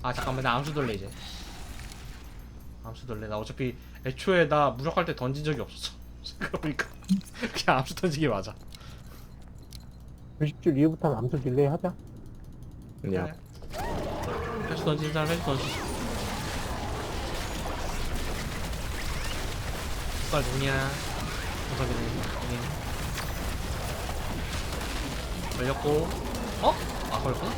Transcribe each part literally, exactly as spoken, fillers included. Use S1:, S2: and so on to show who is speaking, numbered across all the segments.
S1: 아 잠깐만 나 암수 돌래 이제. 암수 돌래. 나 어차피 애초에 나 무력할 때 던진 적이 없었어. 그러니까 그냥 암수 던지기 맞아.
S2: 구십 줄 이후부터는 암수 딜레이 하자.
S3: 야.
S1: 그래. 회수 던지는 사람 회수 던지. 빨 누구냐? 보석이네. 여기. 걸렸고. 어? 아 걸렸구나.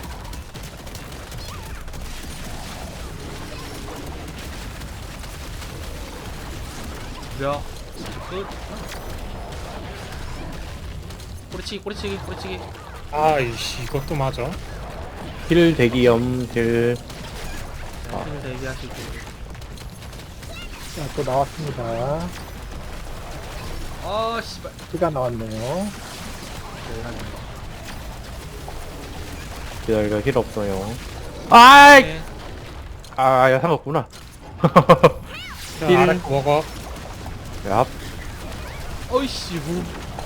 S1: 무려 끝. 꼬리치기 꼬리치기 꼬리치기.
S4: 아이씨 이것도 맞아.
S3: 힐 대기염 힐.
S1: 자, 힘을 대비하시고.
S2: 자, 또 나왔습니다.
S1: 아 씨발.
S2: 피가 나왔네요.
S3: 기다려 힐 없어요. 아이.
S1: 네.
S3: 아야 상관없구나.
S4: 자
S3: 힐.
S4: 아래 거 먹어.
S3: 야.
S1: 어이씨 뭐.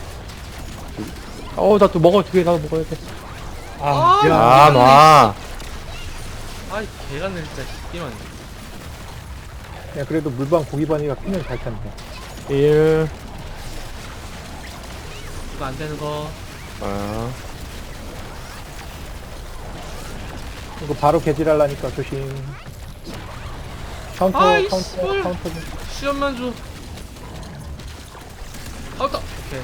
S3: 어나 또 먹어 두 개 나도 먹어야 돼.
S4: 아,
S1: 아,
S3: 야 놔.
S1: 아이 개같네 진짜 씨발.
S2: 야, 그래도 물방 고기반이가 피는 잘 찼네.
S3: 일.
S1: 이거 안 되는 거.
S3: 아.
S2: 이거 바로 개질하려니까 조심. 카운터,
S1: 아이,
S2: 카운터,
S1: 씨발.
S2: 카운터. 좀.
S1: 수염만 줘. 아웃다. 오케이.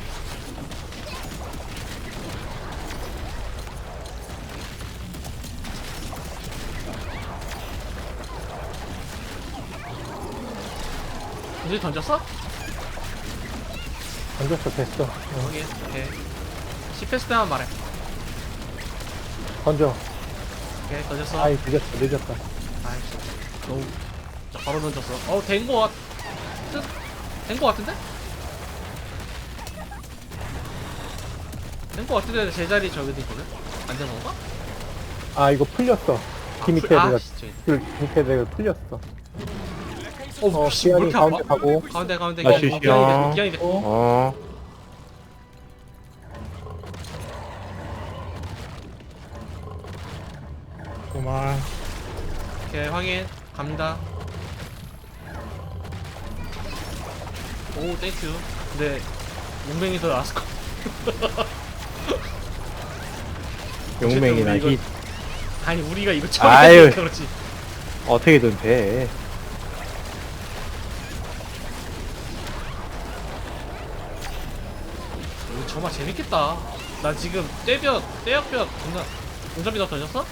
S1: 이제 던졌어?
S2: 던졌어, 됐어. 어,
S1: 오케이. 오케이. 십 패스 때만 말해.
S2: 던져.
S1: 오케이 던졌어.
S2: 아이, 늦었어, 늦었다.
S1: 아이씨. 너무. 자, 바로 던졌어. 어, 된 거 같. 된 거 같은데? 된 거 같은데 제자리 저기도 있거든? 안 되는 건가?
S2: 아, 이거 풀렸어.
S1: 아,
S2: 기 밑에
S1: 풀- 아,
S2: 내가,
S1: 씨, 저기.
S2: 줄 밑에 내가 풀렸어.
S1: 어,
S2: 어,
S1: 씨, 왜
S2: 기한이
S1: 이렇게
S2: 가운데
S1: 아파?
S2: 가고.
S1: 가운데, 가운데,
S3: 아,
S1: 기한이
S3: 쉬쉬.
S1: 됐고, 기한이 됐고.
S2: 어,
S3: 어.
S4: 그만.
S1: 오케이, 확인. 갑니다. 오, 땡큐. 근데, 용맹이 더 나았을 거.
S3: 용맹이나
S1: 어쨌든 우리
S3: 힐.
S1: 아니, 우리가 이거
S3: 아유.
S1: 처음이니까 그렇지.
S3: 어떻게든 돼.
S1: 이거 정말 재밌겠다. 나 지금 떼볕, 떼역볕, 존나. 운전비 너 던졌어?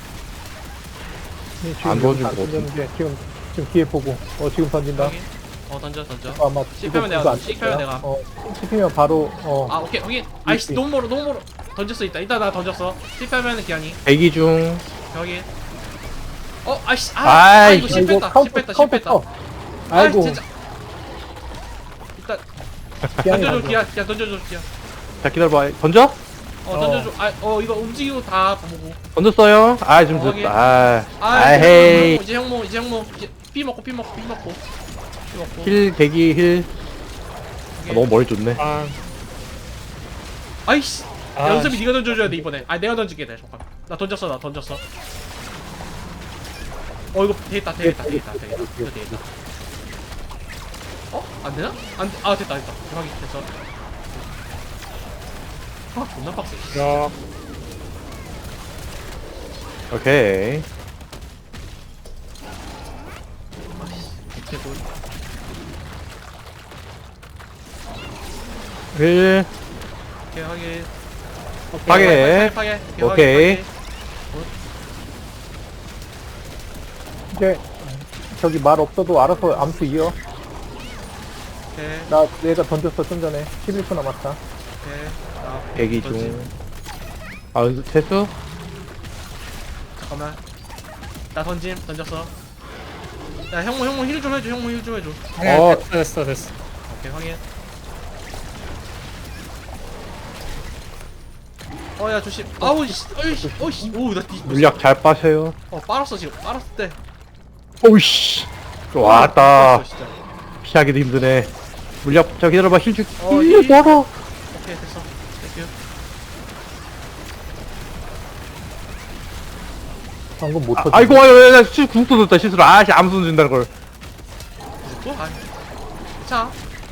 S2: 네, 지금
S3: 안 던진
S2: 안
S3: 거 같은데.
S2: 던졌는데, 지금, 지금 뒤에 보고. 어, 지금 던진다.
S1: 확인. 어, 던져, 던져.
S2: 어, 아마
S1: 실패하면
S2: 이거
S1: 내가
S2: 안
S1: 실패하면
S2: 떴어요.
S1: 내가.
S2: 어, 씹히면 바로, 어.
S1: 아, 오케이, 확인. 아이씨, 너무 멀어, 너무 멀어. 던졌어, 이따. 이따 나 던졌어. 실패하면 기한이.
S3: 대기 중.
S1: 여기. 어, 아이씨, 아,
S3: 아이,
S1: 아 이거
S2: 아,
S1: 실패했다,
S2: 카운터,
S1: 실패했다,
S2: 카운터
S1: 실패했다.
S2: 쳐.
S1: 아이,
S2: 아이고,
S1: 진짜. 일단
S2: 기한이
S1: 던져줘,
S2: 던져.
S1: 기아, 기아 던져줘, 기아.
S3: 자 기다려봐. 던져?
S1: 어,
S2: 어.
S1: 던져줘. 아, 어, 이거 움직이고 다 보고.
S3: 던졌어요? 아 좀
S1: 어,
S3: 늦었다. 아.
S1: 아,
S3: 아
S1: 이제
S3: 헤이.
S1: 형모, 이제 형모, 이제 형모, 이제 피 먹고, 피 먹고, 피 먹고, 피 먹고.
S3: 힐 대기 힐. 아,
S1: 오케이.
S3: 너무 멀리 줬네.
S4: 아,
S1: 아이씨.
S4: 아,
S1: 연습이 네가 던져줘야 돼 이번에. 아, 내가 던질게 돼. 잠깐. 나 던졌어, 나 던졌어. 어, 이거 되겠다, 되겠다, 되겠다, 되겠다. 이거 되겠다. 어? 안 되나? 안, 돼. 아, 됐다, 됐다. 대박이 됐어. 아, 존나 빡세.
S4: 야,
S3: 오케이.
S1: 아이씨, 밑에 돌.
S3: 힐.
S1: 오케이, 확인.
S3: 파괴.
S1: 파괴, 파괴.
S3: 오케이.
S1: 파괴.
S2: 이제, 저기 말 없어도 알아서 암수 이어.
S1: 오케이,
S2: 나, 내가 던졌어, 좀 전에. 십일 초 남았다.
S1: 오케이. 아,
S3: 대기
S1: 던지.
S3: 중. 아 연습 체수?
S1: 잠깐만. 나 던짐, 던졌어. 야, 형모, 형모 힐 좀 해줘, 형모 힐 좀 해줘.
S4: 아니야,
S3: 어.
S4: 됐어, 됐어, 됐어.
S1: 오케이, 확인. 어, 야, 조심. 아우, 씨, 어이씨, 어이씨. 오, 나 뒤.
S3: 물약 잘 빠셔요.
S1: 어, 빨았어, 지금. 빨았을 때.
S3: 오이씨. 왔다.
S1: 빨았어, 진짜.
S3: 피하기도 힘드네. 물약 자 기다려봐 힐 줄.
S1: 어,
S3: 힐
S1: 힐.
S3: 멀어.
S1: 오케이, 됐어. 땡큐.
S2: 방금 못
S3: 아,
S2: 터지.
S3: 아이고 아이고 나 실 궁도 넣었다 실수로. 아씨 아무도 안 준다는 걸.
S1: 또? 아니 괜찮아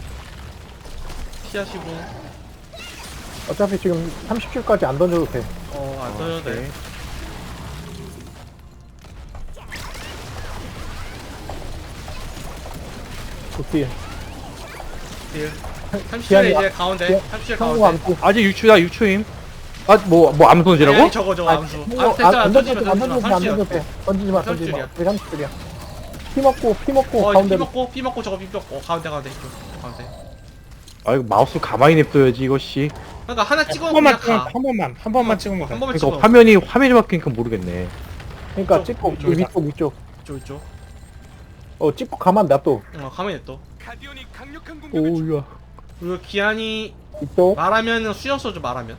S1: 피하시고
S2: 어차피 지금 삼십 킬까지 안 던져도 돼.
S1: 어안 떠져도 돼
S2: 좋지.
S1: 딜 삼십
S2: 기한이
S1: 초에 이제
S2: 와-
S1: 가운데
S2: 기한-
S1: 삼십 초에
S2: 성우
S1: 가운데
S2: 암수.
S3: 아직 육 초야 육 초임. 아뭐뭐 뭐 암 손질하고?
S1: 아니, 아니, 저거 저거 암수
S2: 성우
S1: 암수 됐잖아
S2: 안
S1: 던지지
S2: 던져도
S1: 마
S2: 돼, 안
S1: 던지지 마
S2: 던져도 돼, 안
S1: 삼십
S2: 던져도 돼. 던지지 마, 던지지 마.
S1: 삼십
S2: 우리 삼십 줄이야. 피 먹고, 피 먹고,
S1: 어, 피
S2: 가운데로.
S1: 먹고, 피 먹고, 저거 피 먹고, 어, 가운데, 가운데, 이쪽, 가운데.
S3: 아 이거 마우스 가만히 냅둬야지 이거 씨.
S1: 그러니까 하나
S4: 한
S1: 찍어
S4: 번만
S1: 그냥
S4: 찍으면
S1: 가.
S4: 한 번만 한 번만 찍으면
S1: 한
S4: 돼.
S1: 번만
S3: 그러니까
S1: 찍어.
S3: 화면이 화면이 바뀌니까 모르겠네.
S2: 그러니까
S1: 이쪽,
S2: 찍고,
S1: 이쪽이다.
S2: 위쪽, 위쪽.
S1: 이쪽, 이쪽.
S2: 어, 찍고 가만 놔둬.
S1: 어, 가만히 냅둬.
S3: 오우야.
S1: 그리고 기한이
S2: 이쪽.
S1: 말하면 수연 써줘, 말하면.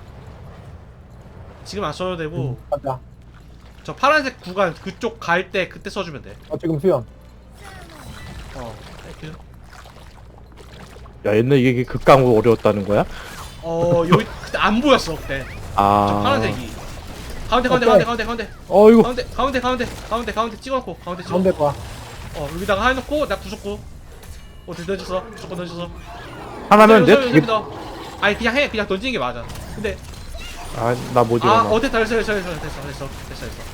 S1: 지금 안 써도 되고,
S2: 가자.
S1: 저 파란색 구간 그쪽 갈 때 그때 써주면 돼.
S2: 어, 지금 수연.
S1: 어, 이렇게.
S3: 야 옛날 이게 극강으로 어려웠다는 거야?
S1: 어, 여기 그때 안 보였어, 그때. 저
S3: 아.
S1: 파란색이. 가운데, 가운데,
S2: 오케이.
S1: 가운데, 가운데, 가운데.
S3: 어이구.
S1: 가운데, 가운데, 가운데, 가운데, 가운데 찍어놓고, 가운데 찍어.
S2: 가운데 봐.
S1: 어, 여기다가 해놓고, 나 구속고. 어, 던졌어. 무조건 던졌어.
S3: 하나면 내
S1: 여기,
S3: 두
S1: 여기
S3: 개.
S1: 넣어. 아니, 그냥 해. 그냥 던지는 게 맞아. 근데,
S3: 아나 뭐지?
S1: 아,
S3: 나.
S1: 어, 됐다, 됐어, 됐어, 됐어, 됐어, 됐어, 됐어, 됐어.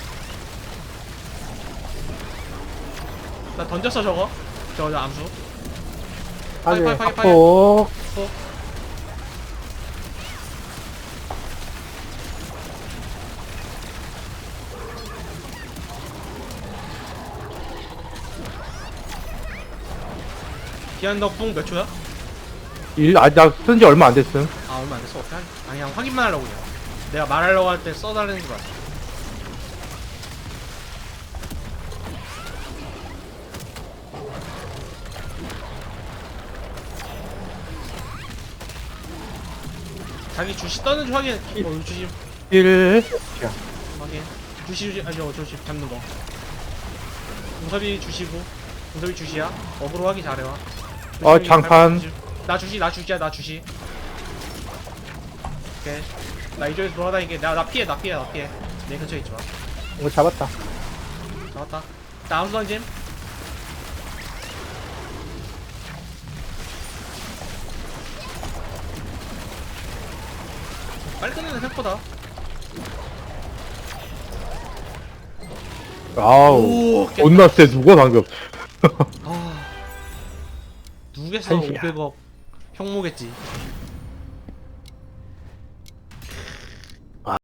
S1: 나 던졌어, 저거. 저거, 저 암수.
S2: 하게,
S1: 파이, 파이, 파이.
S2: 앞으로.
S1: 어. 기한 덕풍 몇 초야?
S3: 일, 아, 나 쓴 지 얼마 안 됐음.
S1: 아, 얼마 안 됐어. 어떻게 하지? 아니, 그냥 확인만 하려고 그냥. 내가 말하려고 할 때 써달라는 줄 알았어. 자기 주시 떠는 줄 확인. 어, 주시
S3: 일.
S1: 확인. 주시 주시 아니 어 주시 잡는 거. 용섭이 주시고 용섭이 주시야. 어그로 하기 잘해와.
S3: 어, 장판.
S1: 나 주시 나 주시야 나 주시. 오케이. 나 이쪽에서 돌아다니게. 나 나 피해 나 피해 나 피해. 내 근처에 있지 마.
S2: 이거 잡았다.
S1: 잡았다. 나 암수 던짐. 빨리 끝내는 생각보다.
S3: 아우.
S1: 오, 깼다.
S3: 존나 쎄 누가 방금.
S1: 아, 누구겠어
S3: 한시야.
S1: 오백억 형모겠지.